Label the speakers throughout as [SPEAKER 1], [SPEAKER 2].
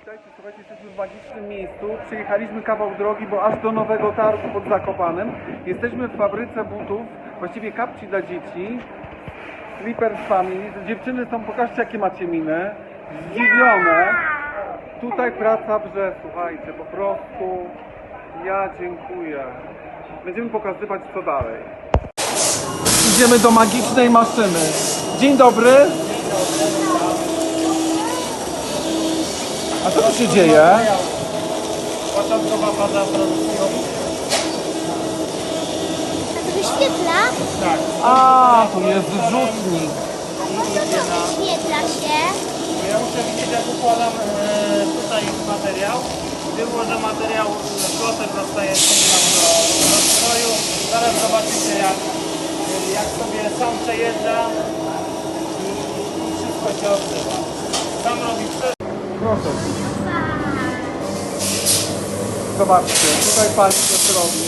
[SPEAKER 1] Witajcie, słuchajcie, jesteśmy w magicznym miejscu. Przyjechaliśmy kawał drogi, bo aż do Nowego Targu pod Zakopanem. Jesteśmy w fabryce butów, właściwie kapci dla dzieci. Slippers Family. Dziewczyny są, pokażcie jakie macie miny. Zdziwione. Tutaj praca wrze, słuchajcie, po prostu. Ja dziękuję. Będziemy pokazywać co dalej. Idziemy do magicznej maszyny. Dzień dobry. A co tu się dzieje?
[SPEAKER 2] Początkowa faza produkcji.
[SPEAKER 3] A to wyświetla?
[SPEAKER 2] Tak.
[SPEAKER 1] A, tu jest rzutnik.
[SPEAKER 3] A po co to wyświetla się?
[SPEAKER 2] Ja muszę widzieć, jak układam tutaj materiał. Było, że materiał klocek zostaje nam do rozstroju. Zaraz zobaczycie, jak sobie sam przejeżdża i wszystko się odbywa. Sam robi wszystko.
[SPEAKER 1] Proszę. Zobaczcie, tutaj pan coś robi.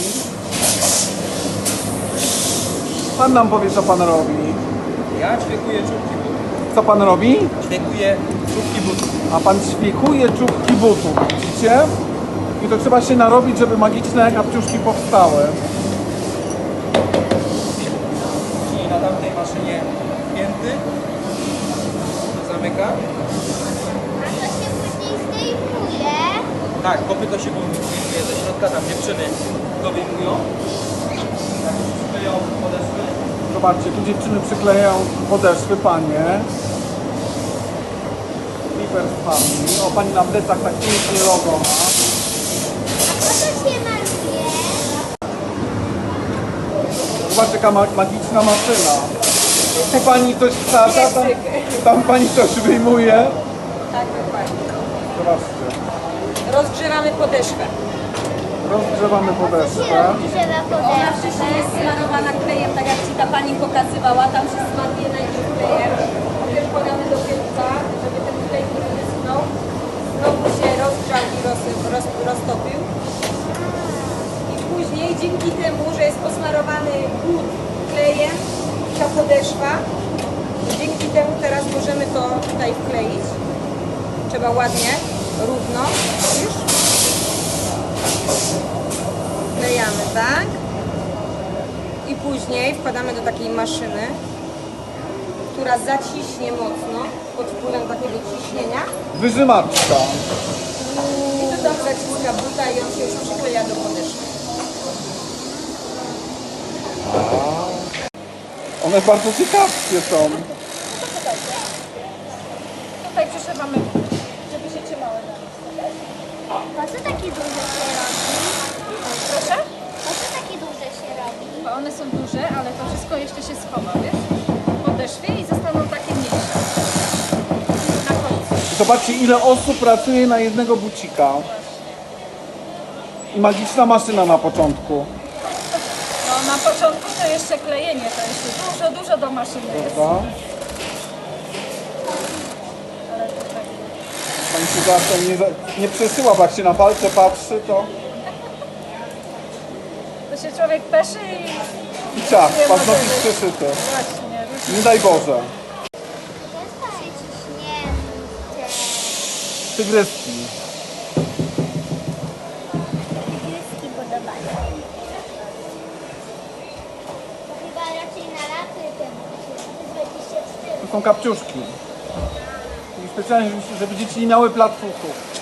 [SPEAKER 1] Pan nam powie, co pan robi.
[SPEAKER 4] Ja ćwiekuję czubki butów.
[SPEAKER 1] Co pan robi?
[SPEAKER 4] Ćwiekuję czubki butów.
[SPEAKER 1] A pan ćwiekuje czubki butów, widzicie? I to trzeba się narobić, żeby magiczne kapciuszki powstały.
[SPEAKER 4] Czyli na tamtej maszynie pięty. Zamyka.
[SPEAKER 3] A to się później zdejmuje.
[SPEAKER 4] Tak, kopyto się wyjmuje ze środka, tam dziewczyny go wyjmują. Tak, przykleją podeszwy.
[SPEAKER 1] Zobaczcie, tu dziewczyny przyklejają podeszwy, panie. Slippers Family. O, pani na plecach tak pięknie logo ma.
[SPEAKER 3] A po co się maluje?
[SPEAKER 1] Zobaczcie, jaka magiczna maszyna. Tu pani coś wsadza, tam pani coś wyjmuje.
[SPEAKER 5] Tak, dokładnie.
[SPEAKER 1] Zobaczcie.
[SPEAKER 5] Rozgrzewamy podeszwę.
[SPEAKER 1] Rozgrzewamy
[SPEAKER 3] Się
[SPEAKER 1] podeszwę.
[SPEAKER 3] rozgrzewa
[SPEAKER 5] Ona
[SPEAKER 3] podeszwę.
[SPEAKER 5] wcześniej jest smarowana klejem, tak jak Ci ta Pani pokazywała. Tam się smaruje najpierw klejem. Potem podamy do pieluka, żeby ten klej nie wyschnął. Znowu się rozgrzał i roztopił. I później dzięki temu, że jest posmarowany but klejem, ta podeszwa, dzięki temu teraz możemy to tutaj wkleić. Trzeba ładnie, równo. Widzisz? Wklejamy, tak? I później wkładamy do takiej maszyny, która zaciśnie mocno pod wpływem takiego ciśnienia.
[SPEAKER 1] Wyżymaczka.
[SPEAKER 5] I to tam zaciska buta i on się już przykleja do podeszwy.
[SPEAKER 1] One bardzo ciekawskie są.
[SPEAKER 5] Tutaj przyszywamy, żeby się trzymały na nas.
[SPEAKER 3] Po co takie duże się robi?
[SPEAKER 5] Proszę?
[SPEAKER 3] Po co takie duże się robi?
[SPEAKER 6] Bo one są duże, ale to wszystko jeszcze się schowa, wiesz? W podeszwie i zostaną takie mniejsze. Na końcu.
[SPEAKER 1] Zobaczcie, ile osób pracuje na jednego bucika. I magiczna maszyna na początku.
[SPEAKER 6] No na początku to jeszcze klejenie, to jeszcze dużo do maszyny jest.
[SPEAKER 1] Prawda? Pani się zawsze nie przesyła, bo jak się na palce patrzy, to
[SPEAKER 6] To się człowiek peszy i...
[SPEAKER 1] i ciach,
[SPEAKER 6] Nie ma
[SPEAKER 1] paznokcie
[SPEAKER 6] tego.
[SPEAKER 1] przeszyte.
[SPEAKER 6] Właśnie, różnie.
[SPEAKER 1] Nie daj Boże.
[SPEAKER 3] Jest to przyciśnięte.
[SPEAKER 1] Tygryski.
[SPEAKER 3] Tygryski podobają. To chyba raczej na laty temu. 24.
[SPEAKER 1] To są kapciuszki. I specjalnie, żeby dzieci nie miały platfuchów.